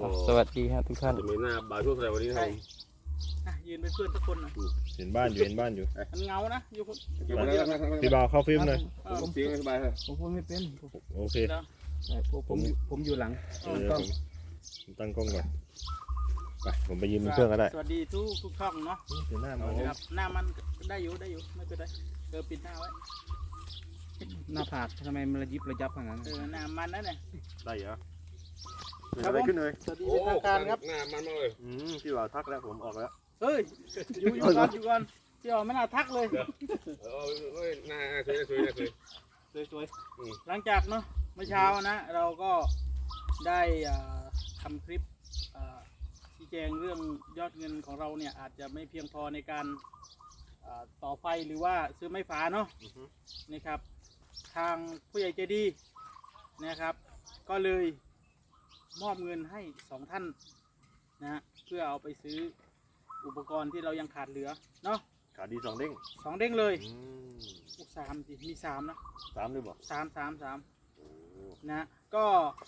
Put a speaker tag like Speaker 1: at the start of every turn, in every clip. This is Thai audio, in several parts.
Speaker 1: สวัสดีครับทุกท่าน
Speaker 2: จะมีหน้าบ่าวช่วงอะไรวันนี้ครับ
Speaker 3: ยืนเป็นเพื่อนทุกคนหน่อย
Speaker 4: เห็นบ้านอยู่
Speaker 3: มันเงานะอยู่คน
Speaker 4: พี่บ่าวเข้าฟิล์มหน่อย
Speaker 2: ผมเสียงสบายเลย
Speaker 1: ผมพูดไม่เป็น
Speaker 4: โอเค
Speaker 1: ผมอยู่หลัง
Speaker 4: ผมตั้งกล้องก่อนไปผมไปยืมเครื่องก็ได้
Speaker 3: สวัสดีทุกช่องเนาะ
Speaker 4: เดี๋ยวหน้ามา
Speaker 3: ครับหน้ามันได้อยู่ไม่เป็นไรปิดหน้าไว้
Speaker 1: หน้าผากทำไมมันระยิบระยับขนาดนั้น
Speaker 3: หน้ามันนั่นแหละ
Speaker 4: ได้เหรอเกิดอะไรขึ้นเลย
Speaker 3: สวัสดีเป็นทางการครับ
Speaker 2: หน้ามันมากเลย
Speaker 4: พี่บ่าวทักแล้วผมออกแล้ว
Speaker 3: เฮ้ยอยู่ก่อนที่ออกไม่น่าทักเลย
Speaker 2: หน้าสวย
Speaker 3: หลังจากเนาะเมื่อเช้านะเราก็ได้ทำคลิปชี้แจงเรื่องยอดเงินของเราเนี่ยอาจจะไม่เพียงพอในการต่อไฟหรือว่าซื้อไม้ฝาเนาะนะครับทางผู้ใหญ่ใจดีนะครับก็เลยมอบเงินให้2ท่านนะเพื่อเอาไปซื้ออุปกรณ์ที่เรายังขาดเหลือเนาะ
Speaker 4: ขาดี2 เด้ง
Speaker 3: 2 เด้งเลยสามสิมี3นะ
Speaker 4: 3ด้วยบอก
Speaker 3: สามนะก็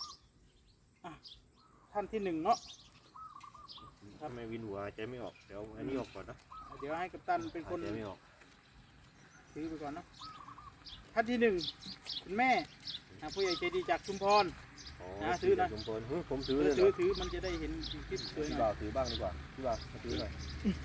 Speaker 3: ท่านที่1เนาะ
Speaker 4: ทำไมวินหัวใจไม่ออกเดี๋ยวอันนี้ออกก่อนนะ
Speaker 3: เดี๋ยวให้กัปตันเป็นคน
Speaker 4: ใจไม่ออก
Speaker 3: ซื้อไปก่อนเนาะท่านที่1คุณแม่ผู้ใหญ่ใจดีจากชุมพร ซื้อนะ
Speaker 4: ผมซื้อเลย
Speaker 3: ถือมันจะได้เห็นคลิปสวยห
Speaker 4: พี่
Speaker 3: น่
Speaker 4: บ่า
Speaker 3: อ
Speaker 4: วย ถือบ้างดีกว่าพี่บ่าวมาถือหน่อย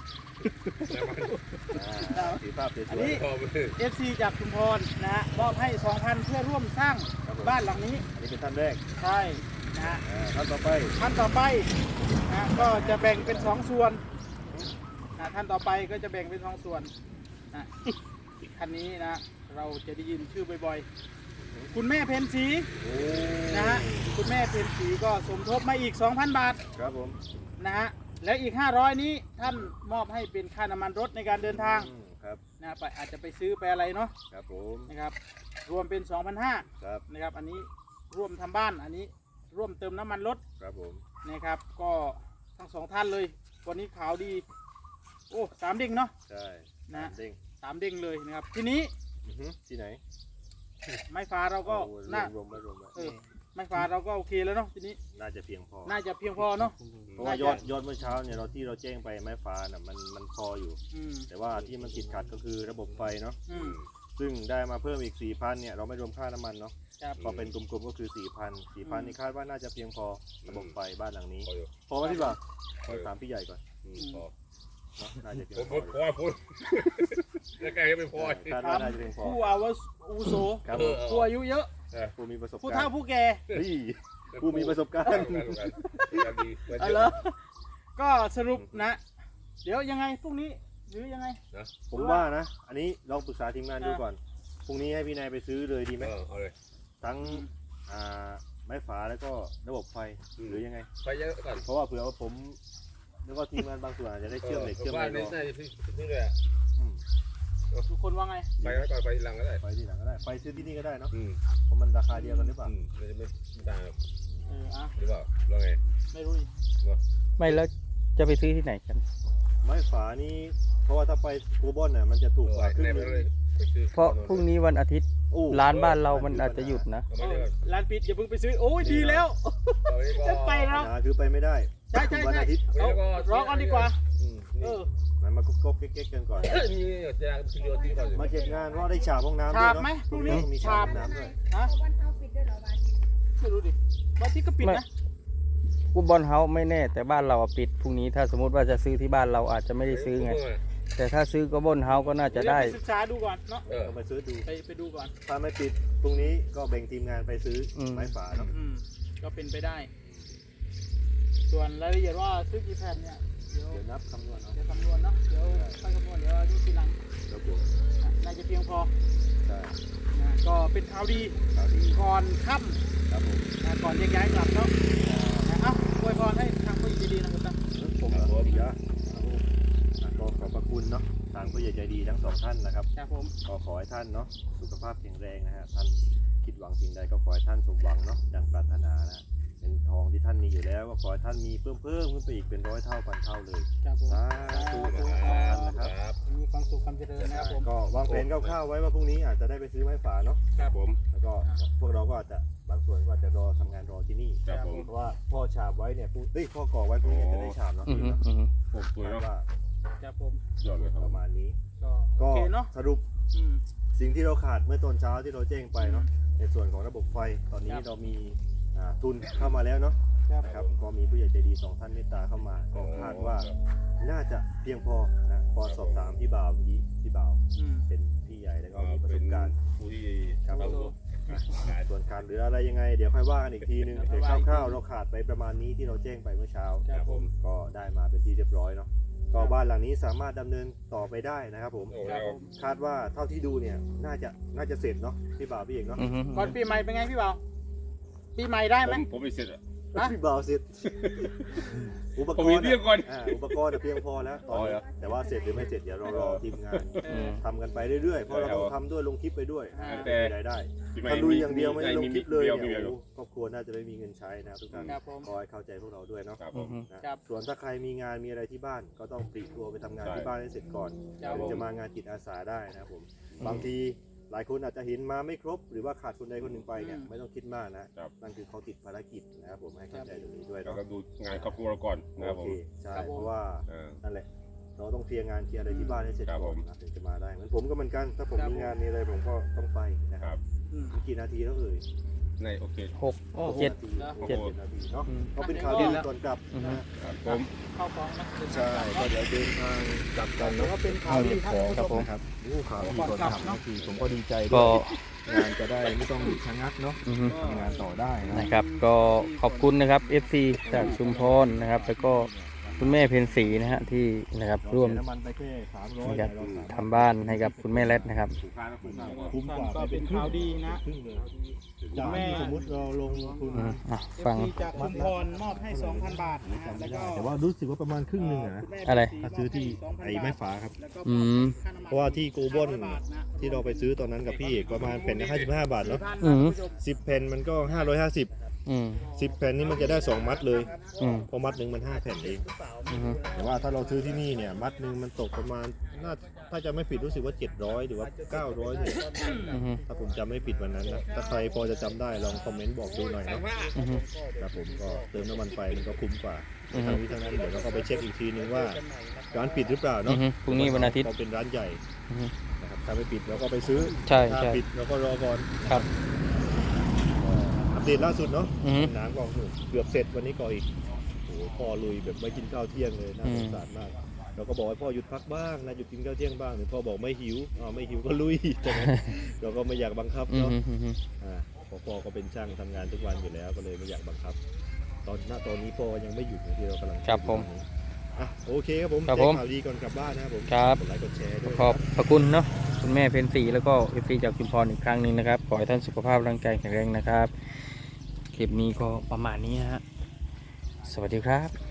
Speaker 4: ถือภาพสวย
Speaker 3: อันนี้ FC จากชุมพรนะฮะมอบให้ 2,000 เพื่อร่วมสร้างบ้านหลังนี้
Speaker 4: อันนี้เป็นท่านแรก
Speaker 3: ใช่นะฮะ
Speaker 4: ท่านต่อไป
Speaker 3: ท่านต่อไปนะก็จะแบ่งเป็น2 ส่วนนะท่านต่อไปก็จะแบ่งเป็น2 ส่วนนะท่านนี้นะเราจะได้ยินชื่อบ่อยๆคุณแม่เพ็ญศรีนะฮะคุณแม่เพ็ญศรีก็สมทบมาอีก 2,000 บาท
Speaker 4: ครับผม
Speaker 3: นะฮะแล้วอีก500นี้ท่านมอบให้เป็นค่าน้ำมันรถในการเดินทาง
Speaker 4: ครับ
Speaker 3: นะไปอาจจะไปซื้อไปอะไรเนาะ
Speaker 4: ครับผม
Speaker 3: นะครับรวมเป็น 2,500
Speaker 4: ครับ
Speaker 3: นะครับอันนี้ร่วมทำบ้านอันนี้ร่วมเติมน้ำมันรถ
Speaker 4: ครับผม
Speaker 3: นะครับก็ทั้ง2ท่านเลยวันนี้ข่าวดีโอ้3 เด้งเนาะ
Speaker 4: ใช่
Speaker 3: นะ
Speaker 4: เด้ง
Speaker 3: 3 เด้งเลยนะครับทีนี้
Speaker 4: ที่ไหน
Speaker 3: ไม้ฟ้าเราก็น่าร
Speaker 4: วมไว้
Speaker 3: ไม้ฟ้าเราก็โอเคแล้วเนาะทีนี้
Speaker 4: น่าจะเพียงพอ
Speaker 3: น่าจะเพียงพอเนาะ
Speaker 4: เพราะว่ายอดเมื่อเช้าเนี่ยที่เราแจ้งไปไม้ฟ้าน่ะมันพออยู่ แต่ว่าที่มันติดขัดก็คือระบบไฟเนาะ ซึ่งได้มาเพิ่มอีก 4,000 เนี่ยเราไม่รวมค่าน้ำมันเนาะ
Speaker 3: ครับ
Speaker 4: พอเป็นกลมๆก็คือ 4,000 นี่คาดว่าน่าจะเพียงพอระบบไฟบ้านหลังนี้ พอไหมพี่บ่าวถามพี่ใหญ่ก่อน
Speaker 2: พอ
Speaker 4: เนาะน่าจะเพียง
Speaker 2: ผม
Speaker 4: พ
Speaker 2: พ
Speaker 4: อ
Speaker 2: อพูดแล้วแกก็ไม่พอ
Speaker 4: คาดว่าน่าจะเพียงพอ
Speaker 3: ผู้อาวุโส
Speaker 4: ครับผม
Speaker 3: ผู้อายุเยอะ
Speaker 4: ผู้มีประสบ
Speaker 3: ผู้
Speaker 4: การ
Speaker 3: เฒ่า
Speaker 4: ณ์
Speaker 3: ผู้แก่
Speaker 4: เฮ้ยผู้มีประสบการณ์
Speaker 3: เอาละก็สรุปนะ เดี๋ยวยังไงพรุ่งนี้หรือยังไง
Speaker 4: ผมว่านะ อันนี้ลองปรึกษาทีมงานดูก่อน พรุ่งนี้ให้พี่นายไปซื้อเลยดีไหม
Speaker 2: เอาเลย
Speaker 4: ทั้งไม้ฝาแล้วก็ระบบไฟหรือยังไง
Speaker 2: ไปเยอะก่อน
Speaker 4: เพราะว่าเผื่อว่าผมแล้วก็ทีมงานบางส่วนอาจจะได้เชื่อมเหล็กเชื่อมอะไร
Speaker 2: นี่
Speaker 4: รอ
Speaker 2: น่าจะซื้อเลย
Speaker 3: ทุกคนว่าไง
Speaker 2: ไปแล้วก่อนไปหลังก็ได้
Speaker 4: ไฟที่หลังก็ได้ ไฟซื้อที่นี่ก็ได้เนาะ
Speaker 2: อืม
Speaker 4: เพราะมันราคาเดียวกันหรือเปล่า
Speaker 2: มันจะไม่ต่าง
Speaker 3: อ่ะ
Speaker 2: หรือเปล่าเราไง
Speaker 3: ไม่รู้อีก
Speaker 1: ไม่แล้วจะไปซื้อที่ไหนกัน
Speaker 4: ไม้ฝานี่เพราะว่าถ้าไปโกบอนเนี่ยมันจะถูกกว่าครึ่ง
Speaker 2: ใน
Speaker 4: ห
Speaker 2: ไป
Speaker 4: นึง
Speaker 2: เลยไปซื้อ
Speaker 1: เพราะพรุ่งนี้วันอาทิตย์
Speaker 4: โอ้
Speaker 1: ร้านบ้านเรามันอาจจะหยุดนะ
Speaker 2: เอามาเลย
Speaker 3: ร้านปิดอย่าเพิ่งไปซื้อโอ้ยดีแล้วจะไป
Speaker 4: ปั
Speaker 3: แล้
Speaker 4: ญ
Speaker 3: ว
Speaker 4: หาคือไปไม่ได้
Speaker 3: ใช่
Speaker 4: วันอาทิตย์
Speaker 3: เอารอก่อนดีกว่าเออ
Speaker 4: มันมาก๊กๆเก๊กๆกันก่อน
Speaker 2: มีจะซื้อเดียวที่ก่อน
Speaker 4: มาเก็บงานเพราะได้ฉาบห้องน้ำด้ว
Speaker 3: ฉาย บ
Speaker 4: เนาะ
Speaker 3: ไหมพรุ่งนี้
Speaker 4: ต้องมีฉา
Speaker 3: ฉา
Speaker 4: บบ ห้องน้ำด้วย
Speaker 3: ฮะ
Speaker 5: วันเท้าปิดด้วยเหรอวันอาทิตย์
Speaker 3: ไม่รู้ดิวันอาที่ก็ปิดนะ
Speaker 1: กูบอลเฮาส์ไม่แน่แต่บ้านเราอะปิดพรุ่งนี้ถ้าสมมติว่าจะซื้อที่บ้านเราอาจจะไม่ได้ซื้อไง แต่ถ้าซื้อก็บอลเฮาส์ก็น่าจะได้
Speaker 3: เยวไปศึกษาดูก่อนเนาะ
Speaker 4: ก็ไปซื้อดู
Speaker 3: ไปดูก่อน
Speaker 4: ถ้าไม่ปิดพรุ่งนี้ก็แบ่งทีมงานไปซื้อไม้ฝาเนาะ
Speaker 3: ก็เป็นไปได้ ส่วนรายละเอียดว่าซื้อกี่แผ่นเนี่ยเดี๋ยว
Speaker 4: เดี๋ยวนับคำนวณเอา
Speaker 3: เดี๋ยวคำนวณเนาะเดี๋ยวค่อยคำนวณเดี๋ยวดูทีหลัง
Speaker 4: ครับผม
Speaker 3: น่าจะเพียงพอ
Speaker 4: ใช่
Speaker 3: นะก็เป็นข่าวดี
Speaker 4: ข่าวดี
Speaker 3: ก่อนค่
Speaker 4: ครับผม
Speaker 3: ำนะก่อนแยกย้ายกลับเนาะนะเอ้าอวยพรให้ทางผู้ใหญ่ใจดีนะครับท่าน
Speaker 4: ผมเหรอเยอะก็ขอบพระคุณเนาะทางผู้ใหญ่ใจดีทั้งสองท่านนะครับ
Speaker 3: ครับผม
Speaker 4: ก็ขอให้ท่านเนาะสุขภาพแข็งแรงนะฮะท่านคิดหวังสิ่งใดก็ขอให้ท่านสมหวังเนาะดังปรารถนานะเป็นทองที่ท่านมีอยู่แล้วก็ขอให้ท่านมีเพิ่มขึ้นไปอีกเป็น100 เท่าพันเท่าเลย
Speaker 3: ครับผม
Speaker 4: สาธุนะครับ
Speaker 3: มีความสุขความเจริญนะครับผม
Speaker 4: ก็วางแผนคร่าวๆไว้ว่าพรุ่งนี้อาจจะได้ไปซื้อไม้ฝาเนาะ
Speaker 3: ค
Speaker 2: ครับผม
Speaker 4: แล้วก็พวกเราก็อาจจะบางส่วนก็อาจจะรอทำงานรอที่นี่
Speaker 2: ครับผม
Speaker 4: เพราะว่าพ่อฉาบไว้เนี่ยพ่อก่อไว้พรุ่งนี้จะได้ฉาบเนาะ
Speaker 1: อือฮึอือฮึ
Speaker 2: โอ้สวย
Speaker 4: คาด
Speaker 2: เนาะ
Speaker 4: ว่า
Speaker 3: ครับผม
Speaker 2: ยอดเลยครับ
Speaker 4: ประมาณนี้
Speaker 3: ก็โอ
Speaker 4: ก็
Speaker 3: เคเนาะ
Speaker 4: สรุป
Speaker 3: อืม
Speaker 4: สิ่งที่เราขาดเมื่อตอนเช้าที่เราแจ้งไปเนาะในส่วนของระบบไฟตอนนี้
Speaker 3: ครับ
Speaker 4: เรามีทุนเข้ามาแล้วเนาะ
Speaker 3: ครับ
Speaker 4: นะครับก็มีผู้ใหญ่ใจดี2ท่านเมตตาเข้ามาก็คาดว่าน่าจะเพียงพอนะพอสอบถามพี่บ่าวเมื่อกี้พี่บ่าว
Speaker 3: อืม
Speaker 4: เป็นพี่ใหญ่แล้วก็มีประส
Speaker 2: เป็น
Speaker 4: บการณ์
Speaker 2: ผู้ที่
Speaker 4: ครับ
Speaker 2: เรา
Speaker 4: ส่วนขาดเหลืออะไรยังไง เดี๋ยวค่อยว่ากันอีกทีนึงแต่คร่าวๆเราขาดไปประมาณนี้ที่เราแจ้งไปเมื่อเช้า
Speaker 3: ครับผม
Speaker 4: ก็ได้มาเป็นที่เรียบร้อยเนาะก็บ้านหลังนี้สามารถดำเนินต่อไปได้นะครับผม
Speaker 2: โอ้
Speaker 3: ครับ
Speaker 2: เรา
Speaker 3: ผม
Speaker 4: คาดว่าเท่าที่ดูเนี่ยน่าจะเสร็จเนาะพี่บ่าวพี่เอกเนาะ
Speaker 1: อือฮึ
Speaker 3: ก่อนปีใหม่เป็นไงพี่เบาปีใหม่ได้ไหม
Speaker 2: ผมไม่เสร็จอ่ะ
Speaker 3: ฮะ
Speaker 4: พี่บ่าวเสร็จอุปก
Speaker 2: ผม
Speaker 4: ร
Speaker 2: มี
Speaker 4: ณ์
Speaker 2: เรื่องก่อน
Speaker 4: อุปกรณ์เพียงพอแล้วตอน
Speaker 2: อ๋อ
Speaker 4: นี้
Speaker 2: เหรอ
Speaker 4: แต่ว่าเสร็จหรือไม่เสร็จเดี๋ยวเรารอทีมงาน
Speaker 3: เออ
Speaker 4: ทำกันไปเรื่อยๆเพราะเราต้องทำด้วยลงคลิปไปด้วย
Speaker 3: อ่า
Speaker 4: จะมีรายได้ถ้าลุยอย่างเดียวไม่ได้ลงคลิปเลยเนี่ยโอ้โหครอบครัวน่าจะไม่มีเงินใช้นะครับทุกท่าน
Speaker 3: ครับผม
Speaker 4: คอยเข้าใจพวกเราด้วยเนาะ
Speaker 2: ครับผ
Speaker 1: อือ
Speaker 2: ม
Speaker 1: ฮึ
Speaker 4: นะครับ ส่วนถ้าใครมีงานมีอะไรที่บ้านก็ต้องปลีกตัวไปทำงาน
Speaker 2: ใช่
Speaker 4: ที่บ้านให้เสร็จก่อน
Speaker 3: ครับ
Speaker 4: ถึงจะมางานจิตอาสาได้นะครับผมบางทีหลายคนอาจจะเห็นมาไม่ครบ หรือว่าขาดคนใดคนหนึ่งไปเนี่ยไม่ต้องคิดมากนะครับนั่นคือเขาติดภารกิจนะครับผมให้เข้าใจตรงนี้ด้วย
Speaker 2: เรา
Speaker 4: เนาะ
Speaker 2: ก็ดูงานครอบครัวเราก่อนนะครับ
Speaker 4: โอ
Speaker 2: ผ
Speaker 4: เค
Speaker 2: ม
Speaker 4: ใช่
Speaker 3: ครับผม
Speaker 4: เพราะว่า
Speaker 2: เออ
Speaker 4: นั่นแหละเราต้องเคลียร์งานเคลียร์อะไรที่บ้านให้เสร็จ
Speaker 2: ครับ
Speaker 4: ก่อน
Speaker 2: ผม
Speaker 4: นะถึงจะมาได้เหมือนผมก็เหมือนกันถ้าผม
Speaker 3: ครับ
Speaker 4: มีงานมีอะไรผมก็ต้องไปนะค
Speaker 2: ค
Speaker 4: รั
Speaker 2: รั
Speaker 4: บบ
Speaker 3: อืม
Speaker 4: กี่นาทีแล้วเอ่ย
Speaker 2: ในโอเค
Speaker 1: หก
Speaker 3: โอ้โห
Speaker 1: เจ็ด
Speaker 4: เจ็ดนาทีเนาะ
Speaker 1: อืม
Speaker 4: ก็เป็นข่าวดีก่อนกลับ
Speaker 1: อือฮึ
Speaker 2: ครับผม
Speaker 3: เข้าของนะ
Speaker 4: ใช่ก็เดี๋ยวเดินทางกลับกัน
Speaker 3: แล้ว
Speaker 4: เนาะ
Speaker 3: ก็เป็นข่าวดีครับ
Speaker 1: ครับผม
Speaker 4: ครับโอ้ข่าวดีก่อนกลับนะคือผมก็ดีใจด้
Speaker 1: ก็
Speaker 4: วยงานจะได้ไม่ต้องหยุดชะงักเนาะ
Speaker 1: อือฮึ
Speaker 4: ทำงานต่อได้นะ
Speaker 1: นะครับก็ขอบคุณนะครับ FC จากชุมพรนะครับ แล้วก็คุณแม่เพ็ญศรีนะฮะที่นะครับร่วม
Speaker 4: เสียน้ำมันไปแค่300
Speaker 1: นะครับ
Speaker 4: เราสามารถ
Speaker 1: ทำบ้านให้กับคุณแม่เล็ดนะครับ
Speaker 2: ถูกค้าแล้วผมก็
Speaker 4: คุ้มกว่า
Speaker 3: ก็เป็นข่าวดีนะ
Speaker 4: ครึ่งเลยจากที่สมมติเราลงทุน
Speaker 1: อืมอ่ะฟัง
Speaker 3: FC จากชุมพรมอบให้ 2,000 บาทนะฮะแล้วก็
Speaker 4: แต่ว่ารู้สึกว่าประมาณครึ่งหนึ่งอะนะ
Speaker 3: คุณแม่
Speaker 1: อะไร
Speaker 4: ถ้าซื้อที่ไอ้ไม้ฝาครับ
Speaker 3: แล้วก็
Speaker 1: อืม
Speaker 4: เพราะว่าที่โกลบอนที่เราไปซื้อตอนนั้นกับพี่เอกประมาณแผ่นละ55 บาทเนาะ
Speaker 1: อืม
Speaker 4: 10แผ่นมันก็550
Speaker 1: อืม
Speaker 4: 10แผ่นนี่มันจะได้2มัดเลย
Speaker 1: อืม
Speaker 4: เพราะมัดหนึ่งมัน5แผ่นเอง
Speaker 1: อืม
Speaker 4: แต่ว่าถ้าเราซื้อที่นี่เนี่ยมัดหนึ่งมันตกประมาณน่าถ้าจะไม่ผิดรู้สึกว่า700หรือว่า900เนี่ย
Speaker 1: อืม
Speaker 4: ถ้าผมจำไม่ผิดวันนั้นนะถ้าใครพอจะจำได้ลองคอมเมนต์บอกดูหน่อยนะ
Speaker 1: อืม
Speaker 4: ครับผมก็เติมน้ำมันไปมันก็คุ้มกว่า
Speaker 1: อือฮึ
Speaker 4: ทั้งนี้ทั้งนั้นเดี๋ยวเราก็ไปเช็คอีกทีนึงว่าร้านปิดหรือเปล่า
Speaker 1: อื
Speaker 4: เนาะ
Speaker 1: มพรุ่งนี้วันอาทิตย์
Speaker 4: เราเป็นร้านใหญ่
Speaker 1: อืม
Speaker 4: นะครับถ้าไม่ปิดเราก็ไปซื้อ
Speaker 1: ใช่
Speaker 4: ถ้า
Speaker 1: ใช่
Speaker 4: ปิดเราก็รอก่อน
Speaker 1: ครับ
Speaker 4: อัปเดตล่าสุดเนาะ
Speaker 1: อืม
Speaker 4: น้ำก็เกือบเสร็จวันนี้ก็อีกโอ้โหพ่อลุยแบบไม่กินข้าวเที่ยงเลยน่า
Speaker 1: อืม
Speaker 4: สงสารมากเราก็บอกให้พ่อหยุดพักบ้างนะหยุดกินข้าวเที่ยงบ้างหรือพ่อบอกไม่หิวไม่หิวก็ลุย ใช่ไหมเราก็ไม่อยากบังคับ
Speaker 1: อืม
Speaker 4: เนาะ
Speaker 1: อืม
Speaker 4: เพราะพ่อก็เป็นช่างทำงานทุกวันอยู่แล้วก็เลยไม่อยากบังคับ ตอนนี้พ่อยังไม่หยุดนะที่เรากำลัง
Speaker 1: ครับผม
Speaker 4: อ่ะโอเคครับผม
Speaker 1: ครับ
Speaker 4: แจ้
Speaker 1: ผ
Speaker 4: ง
Speaker 1: ม
Speaker 4: ข่าวดีก่อนกลับบ้านนะครับผม
Speaker 1: ครับ
Speaker 4: กดไลค์กดแชร์ด้วย
Speaker 1: ขอบพระคุณเนาะคุณแม่เพ็ญศรีแล้วก็ FC จากชุมพรอีกครั้งหนึ่งนะครับ ขอให้ท่านสุขภาพร่างกายแข็งแรงนะครับ คลิปนี้ก็ประมาณนี้นะฮะ สวัสดีครับ